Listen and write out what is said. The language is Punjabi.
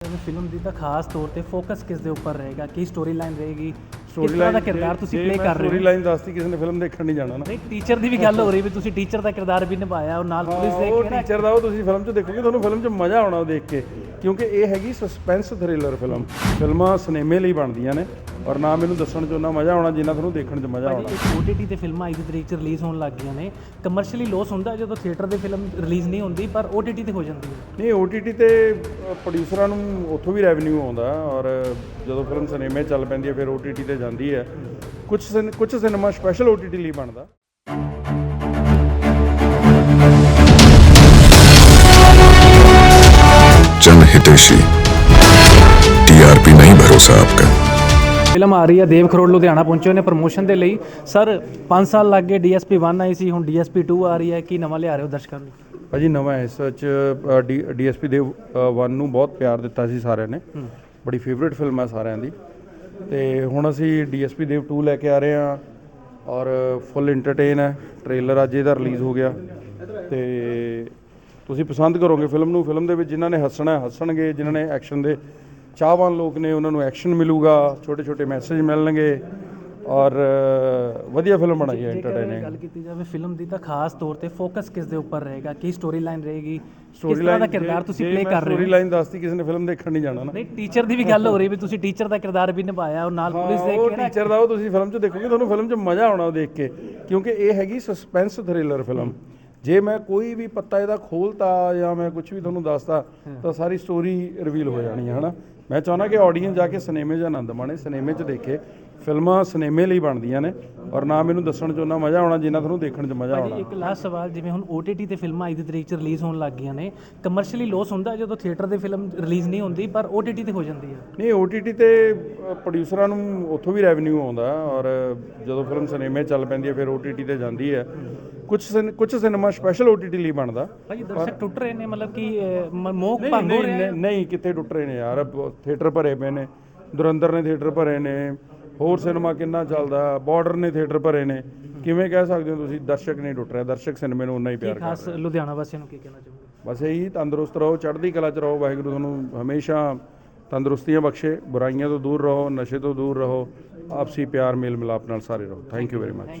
ਜਾਵੇ ਫਿਲਮ ਦੀ ਤਾਂ ਖਾਸ ਤੌਰ ਤੇ ਫੋਕਸ ਕਿਸ ਦੇ ਉੱਪਰ ਰਹੇਗਾ, ਕੀ ਸਟੋਰੀ ਲਾਈਨ ਰਹੇਗੀ, ਕਿਸ ਤਰ੍ਹਾਂ ਦਾ ਕਿਰਦਾਰ ਤੁਸੀਂ ਪਲੇ ਕਰ ਰਹੇ ਹੋ? ਸਟੋਰੀ ਲਾਈਨ ਦੱਸਤੀ, ਕਿਸੇ ਨੇ ਫਿਲਮ ਦੇਖਣ ਨਹੀਂ ਜਾਣਾ ਨਾ। ਨਹੀਂ, ਟੀਚਰ ਦੀ ਵੀ ਗੱਲ ਹੋ ਰਹੀ ਵੀ ਤੁਸੀਂ ਟੀਚਰ ਦਾ ਕਿਰਦਾਰ ਵੀ ਨਿਭਾਇਆ ਔਰ ਨਾਲ ਪੁਲਿਸ ਦੇ ਉਹ ਟੀਚਰ ਦਾ ਉਹ ਤੁਸੀਂ ਫਿਲਮ 'ਚ ਦੇਖੋਗੇ, ਤੁਹਾਨੂੰ ਫਿਲਮ 'ਚ ਮਜ਼ਾ ਆਉਣਾ ਉਹ ਦੇਖ ਕੇ, ਕਿਉਂਕਿ ਇਹ ਹੈਗੀ ਸਸਪੈਂਸ ਥ੍ਰਿਲਰ ਫਿਲਮ। ਫਿਲਮਾਂ ਸਿਨੇਮੇ ਲਈ ਬਣਦੀਆਂ ਨੇ ਔਰ ਨਾ ਮੈਨੂੰ ਦੱਸਣ 'ਚ ਉਹਨਾਂ ਮਜ਼ਾ ਆਉਣਾ ਜਿੰਨਾ ਤੁਹਾਨੂੰ ਦੇਖਣ 'ਚ ਮਜ਼ਾ ਆਉਣਾ। OTT ਤੇ ਫਿਲਮਾਂ ਅੱਜ ਦੀ ਤਰੀਕ 'ਚ ਰਿਲੀਜ਼ ਹੋਣ ਲੱਗ ਗਈਆਂ ਨੇ, ਕਮਰਸ਼ੀਅਲੀ ਲੋਸ ਹੁੰਦਾ ਜਦੋਂ ਥੀਏਟਰ ਦੇ ਫਿਲਮ ਰਿਲੀਜ਼ ਨਹੀਂ ਹੁੰਦੀ, ਪਰ OTT ਤੇ ਹੋ ਜਾਂਦੀ ਹੈ। ਨਹੀਂ, OTT ਤੇ ਪ੍ਰੋਡਿਊਸਰਾਂ ਨੂੰ ਉੱਥੋਂ ਵੀ ਰੈਵਨਿਊ ਆਉਂਦਾ ਔਰ ਜਦੋਂ ਫਿਲਮ ਸਿਨੇਮੇ ਚੱਲ ਪੈਂਦੀ ਹੈ ਫਿਰ OTT ਤੇ ਜਾਂਦੀ ਹੈ। ਕੁਝ ਸਿਨੇਮਾ ਸਪੈਸ਼ਲ OTT ਲਈ ਬਣਦਾ। जनहितैषी TRP नहीं भरोसा आपका। ਫਿਲਮ ਆ ਰਹੀ ਹੈ, ਦੇਵ ਖਰੋੜ ਲੁਧਿਆਣਾ ਪਹੁੰਚੇ ਨੇ ਪ੍ਰਮੋਸ਼ਨ ਦੇ ਲਈ। ਸਰ 5 ਸਾਲ ਲੱਗ ਗਏ, DSP 1 ਆਈ ਸੀ, ਹੁਣ DSP 2 ਆ ਰਹੀ ਹੈ, ਕੀ ਨਵਾਂ ਲਿਆ ਰਹੇ ਹੋ ਦਰਸ਼ਕਾਂ ਨੂੰ? ਭਾਜੀ ਨਵਾਂ ਇਸ ਵਿੱਚ DSP ਦੇਵ 1 ਨੂੰ ਬਹੁਤ ਪਿਆਰ ਦਿੱਤਾ ਸੀ ਸਾਰਿਆਂ ਨੇ, ਬੜੀ ਫੇਵਰੇਟ ਫਿਲਮ ਹੈ ਸਾਰਿਆਂ ਦੀ। ਤੇ ਹੁਣ ਅਸੀਂ DSP ਦੇਵ 2 ਲੈ ਕੇ ਆ ਰਹੇ ਹਾਂ ਔਰ ਫੁੱਲ ਇੰਟਰਟੇਨ ਹੈ। ਟ੍ਰੇਲਰ ਅੱਜ ਇਹਦਾ ਰਿਲੀਜ਼ ਹੋ ਗਿਆ ਤੇ ਤੁਸੀਂ ਪਸੰਦ ਕਰੋਗੇ ਫਿਲਮ ਨੂੰ। ਫਿਲਮ ਦੇ ਵਿੱਚ ਜਿਨ੍ਹਾਂ ਨੇ ਹੱਸਣਾ ਹੱਸਣਗੇ, ਜਿਨ੍ਹਾਂ ਨੇ ਐਕਸ਼ਨ ਦੇ ਚਾਹਵਾਨ ਲੋਕ ਨੇ ਉਹਨਾਂ ਨੂੰ ਐਕਸ਼ਨ ਮਿਲੂਗਾ, ਛੋਟੇ ਛੋਟੇ ਮੈਸੇਜ ਮਿਲਣਗੇ ਔਰ ਵਧੀਆ ਫਿਲਮ ਬਣਾਈ ਹੈ, ਇੰਟਰਟੇਨਿੰਗ। ਗੱਲ ਕੀਤੀ ਜਾਵੇ ਫਿਲਮ ਦੀ ਤਾਂ ਖਾਸ ਤੌਰ ਤੇ ਫੋਕਸ ਕਿਸ ਦੇ ਉੱਪਰ ਰਹੇਗਾ, ਕੀ ਸਟੋਰੀ ਲਾਈਨ ਰਹੇਗੀ, ਕਿਸ ਤਰ੍ਹਾਂ ਦਾ ਕਿਰਦਾਰ ਤੁਸੀਂ ਪਲੇ ਕਰ ਰਹੇ ਹੋ? ਸਟੋਰੀ ਲਾਈਨ ਦੱਸਤੀ, ਕਿਸੇ ਨੇ ਫਿਲਮ ਦੇਖਣ ਨਹੀਂ ਜਾਣਾ ਨਾ। ਨਹੀਂ, ਟੀਚਰ ਦੀ ਵੀ ਗੱਲ ਹੋ ਰਹੀ ਵੀ ਤੁਸੀਂ ਟੀਚਰ ਦਾ ਕਿਰਦਾਰ ਵੀ ਨਿਭਾਇਆ ਔਰ ਨਾਲ ਪੁਲਿਸ ਦੇ ਉਹ ਟੀਚਰ ਦਾ ਉਹ ਤੁਸੀਂ ਫਿਲਮ 'ਚ ਦੇਖੋਗੇ, ਤੁਹਾਨੂੰ ਫਿਲਮ 'ਚ ਮਜ਼ਾ ਆਉਣਾ ਉਹ ਦੇਖ ਕੇ, ਕਿਉਂਕਿ ਇਹ ਹੈਗੀ ਸਸਪੈਂਸ ਥ੍ਰਿਲਰ ਫਿਲਮ। ਜੇ ਮੈਂ ਕੋਈ ਵੀ ਪੱਤਾ ਇਹਦਾ ਖੋਲਤਾ ਜਾਂ ਮੈਂ ਕੁਝ ਵੀ ਤੁਹਾਨੂੰ ਦੱਸਦਾ ਤਾਂ ਸਾਰੀ ਸਟੋਰੀ ਰਿਵੀਲ ਹੋ ਜਾਣੀ ਹੈ ਨਾ। ਮੈਂ ਚਾਹੁੰਦਾ ਕਿ ਆਡੀਅנס ਜਾ ਕੇ ਸਿਨੇਮੇ 'ਚ ਆਨੰਦ ਮਾਣੇ, ਸਿਨੇਮੇ 'ਚ ਦੇਖੇ। ਫਿਲਮਾਂ ਸਿਨੇਮੇ ਲਈ ਬਣਦੀਆਂ ਨੇ ਔਰ ਨਾ ਮੈਨੂੰ ਦੱਸਣ 'ਚ ਉਹਨਾਂ ਮਜ਼ਾ ਆਉਣਾ ਜਿੰਨਾ ਤੁਹਾਨੂੰ ਦੇਖਣ 'ਚ ਮਜ਼ਾ ਆਉਣਾ। ਇੱਕ ਲਾਸਟ ਸਵਾਲ, ਜਿਵੇਂ ਹੁਣ OTT ਤੇ ਫਿਲਮਾਂ ਅੱਜ ਦੀ ਤਰੀਕ 'ਚ ਰਿਲੀਜ਼ ਹੋਣ ਲੱਗ ਗਈਆਂ ਨੇ, ਕਮਰਸ਼ੀਅਲੀ ਲੋਸ ਹੁੰਦਾ ਜਦੋਂ ਥੀਏਟਰ ਦੇ ਫਿਲਮ ਰਿਲੀਜ਼ ਨਹੀਂ ਹੁੰਦੀ, ਪਰ OTT ਤੇ ਹੋ ਜਾਂਦੀ ਹੈ। ਨਹੀਂ, OTT ਤੇ ਪ੍ਰੋਡਿਊਸਰਾਂ ਨੂੰ ਉੱਥੋਂ ਵੀ ਰੈਵਨਿਊ ਆਉਂਦਾ ਔਰ ਜਦੋਂ ਫਿਲਮ ਸਿਨੇਮੇ ਚੱਲ ਪੈਂਦੀ ਹੈ ਫਿਰ OTT ਤੇ ਜਾਂਦੀ ਹੈ। ਕੁਝ ਸਿਨੇਮਾ ਸਪੈਸ਼ਲ OTT ਲਈ ਬਣਦਾ। ਭਾਜੀ ਦਰਸ਼ਕ ਟੁੱਟ ਰਹੇ ਨੇ, ਮਤਲਬ ਕਿ ਮੋਹ ਭੰਗ ਹੋ ਰਿਹਾ? ਨਹੀਂ, ਕਿੱਥੇ ਟੁੱਟ ਰਹੇ ਨੇ ਯਾਰ, ਥੀਏਟਰ ਭਰੇ ਪਏ ਨੇ। ਦੁਰੰਦਰ ਨੇ ਥੀਏਟਰ ਭਰੇ ਨੇ, ਹੋਰ ਸਿਨੇਮਾ ਕਿੰਨਾ ਚੱਲਦਾ, ਬਾਰਡਰ ਨੇ ਥੀਏਟਰ ਭਰੇ ਨੇ। ਕਿਵੇਂ ਕਹਿ ਸਕਦੇ ਹੋ ਤੁਸੀਂ ਦਰਸ਼ਕ ਨਹੀਂ ਟੁੱਟ ਰਿਹਾ? ਦਰਸ਼ਕ ਸਿਨੇਮੇ ਨੂੰ ਉਨਾ ਹੀ ਪਿਆਰ ਖਾਸ ਲੁਧਿਆਣਾ ਵਾਸੀਆਂ ਨੂੰ ਕੀ ਕਹਿਣਾ ਚਾਹੋਗੇ? ਬਸ ਇਹੀ, ਤੰਦਰੁਸਤ ਰਹੋ, ਚੜ੍ਹਦੀ ਕਲਾ 'ਚ ਰਹੋ। ਵਾਹਿਗੁਰੂ ਤੁਹਾਨੂੰ ਹਮੇਸ਼ਾ ਤੰਦਰੁਸਤੀਆਂ ਬਖਸ਼ੇ, ਬੁਰਾਈਆਂ ਤੋਂ ਦੂਰ ਰਹੋ, ਨਸ਼ੇ ਤੋਂ ਦੂਰ ਰਹੋ, ਆਪਸੀ ਪਿਆਰ ਮੇਲ ਮਿਲਾਪ ਨਾਲ ਸਾਰੇ ਰਹੋ। Thank you very much.